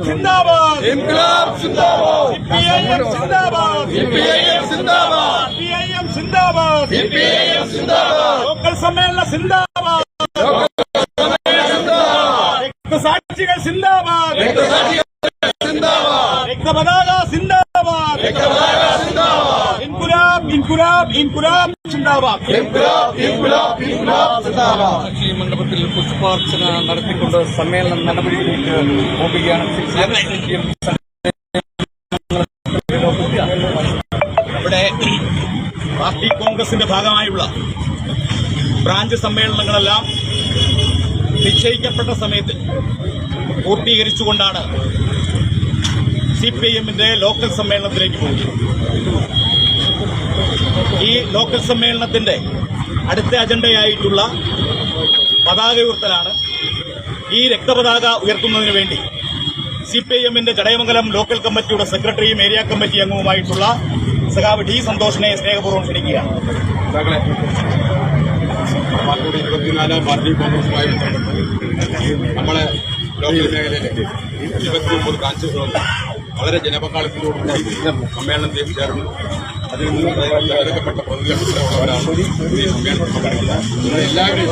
സിന്ദാബാദ് ഇൻക്ലാബ് സിന്ദാബാദ് സിപിഐഎം സിന്ദാബാദ് സിപിഐഎം സിന്ദാബാദ് സിപിഐഎം സിന്ദാബാദ് സിപിഐഎം സിന്ദാബാദ് ലോക്കൽ സമ്മേളന സിന്ദാബാദ് രക്തസാക്ഷികൾ സിന്ദാബാദ് രക്തസാക്ഷികൾ സിന്ദാബാദ് രക്തപതാക സിന്ദാബാദ് രക്തപതാക സിന്ദാബാദ് ഇൻകുലാബ് ഇൻകുലാബ് ഇൻകുലാബ് സിന്ദാബാദ് ഇൻക്ലാബ് ഇൻക്ലാബ് ഇൻക്ലാബ് സിന്ദാബാദ്. മണ്ഡപത്തിൽ പുഷ്പാർച്ചന നടത്തിക്കൊണ്ട് സമ്മേളനം നടപടിയിലേക്ക് പോവുകയാണ്. ഇവിടെ പാർട്ടി കോൺഗ്രസിന്റെ ഭാഗമായുള്ള ബ്രാഞ്ച് സമ്മേളനങ്ങളെല്ലാം നിശ്ചയിക്കപ്പെട്ട സമയത്ത് പൂർത്തീകരിച്ചുകൊണ്ടാണ് സിപിഐഎമ്മിന്റെ ലോക്കൽ സമ്മേളനത്തിലേക്ക് പോകുന്നത്. ഈ ലോക്കൽ സമ്മേളനത്തിന്റെ അടുത്ത അജണ്ടയായിട്ടുള്ള പതാക ഉയർത്തലാണ്. ഈ രക്തപതാക ഉയർത്തുന്നതിന് വേണ്ടി സിപിഐഎമ്മിന്റെ ചടയമംഗലം ലോക്കൽ കമ്മിറ്റിയുടെ സെക്രട്ടറിയും ഏരിയ കമ്മിറ്റി അംഗവുമായിട്ടുള്ള സഖാവ് ഡി സന്തോഷിനെ സ്നേഹപൂർവ്വം ക്ഷണിക്കുകയാണ്. പാർട്ടിയുടെ 24 പാർട്ടി കോൺഗ്രസുമായി ബന്ധപ്പെട്ട് നമ്മളെ ലോക്കൽ മേഖലയിലെ 29 ബ്രാഞ്ചുകളും വളരെ ജനപങ്കാളിത്തത്തോടുകൂടി സമ്മേളനത്തിൽ ചേർന്നു. അതിൽ നിന്ന് തിരഞ്ഞെടുക്കപ്പെട്ട പ്രതിനിധികളാണ് ഈ സമ്മേളനത്തിൽ പങ്കെടുക്കുന്നത്. എല്ലാവരും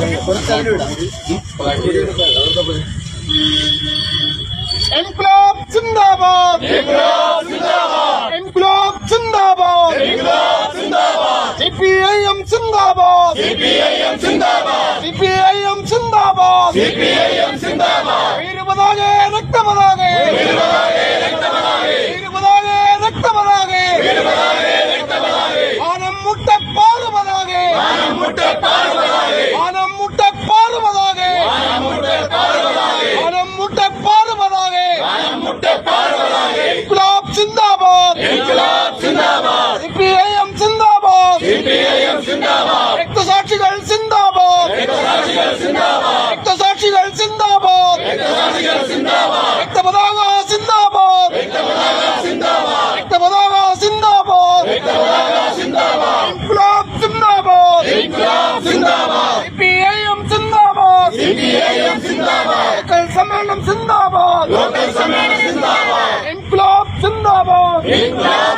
ഇൻക്ലാബ് സിന്ദാബാദ് ഇൻക്ലാബ് സിന്ദാബാദ് ഇൻക്ലാബ് സിന്ദാബാദ് ഇൻക്ലാബ് സിന്ദാബാദ് സിപിഐഎം സിന്ദാബാദ് സിപിഐഎം സിന്ദാബാദ് സിപിഐഎം സിന്ദാബാദ് സിപിഐഎം സിന്ദാബാദ് വീരപതാകെ രക്തപതാകെ വീരപതാകെ രക്തപതാകെ വീരപതാകെ രക്തപതാകെ വീരപതാകെ രക്തപതാകെ ആനം മുട്ടപ്പാറ പതാകെ ആനം മുട്ടപ്പാറ പതാകെ ആനം മുട്ടപ്പാറ പതാകെ ആനം മുട്ടപ്പാറ പതാകെ ആനം മുട്ടപ്പാറ പതാകെ ആനം മുട്ടപ്പാറ പതാകെ ഇൻക്ലാബ് സിന്ദാബാദ് ഇൻക്ലാബ് സിന്ദാബാദ് സിപിഐഎം സിന്ദാബാദ് സിപിഐഎം സിന്ദാബാദ് രക്തസാക്ഷികൾ സിന്ദാബാദ് രക്തസാക്ഷികൾ സിന്ദാബാദ് രക്തസാക്ഷികൾ സിന്ദാബാദ് രക്തസാക്ഷികൾ സിന്ദാബാദ് രക്തപതാക സിന്ദാബാദ് രക്തപതാക സിന്ദാബാദ് രക്തപതാക സിന്ദാബാദ് രക്തപതാക സിന്ദാബാദ് ഇൻക്ലാബ് സിന്ദാബാദ് ഇൻക്ലാബ് സിന്ദാബാദ് സിപിഐഎം സിന്ദാബാദ് സിപിഐഎം സിന്ദാബാദ് ലോക്കൽ സമ്മേളനം സിന്ദാബാദ് ലോക്കൽ സമ്മേളനം സിന്ദാബാദ് ഇൻക്ലാബ് സിന്ദാബാദ് ഇൻക്ലാബ്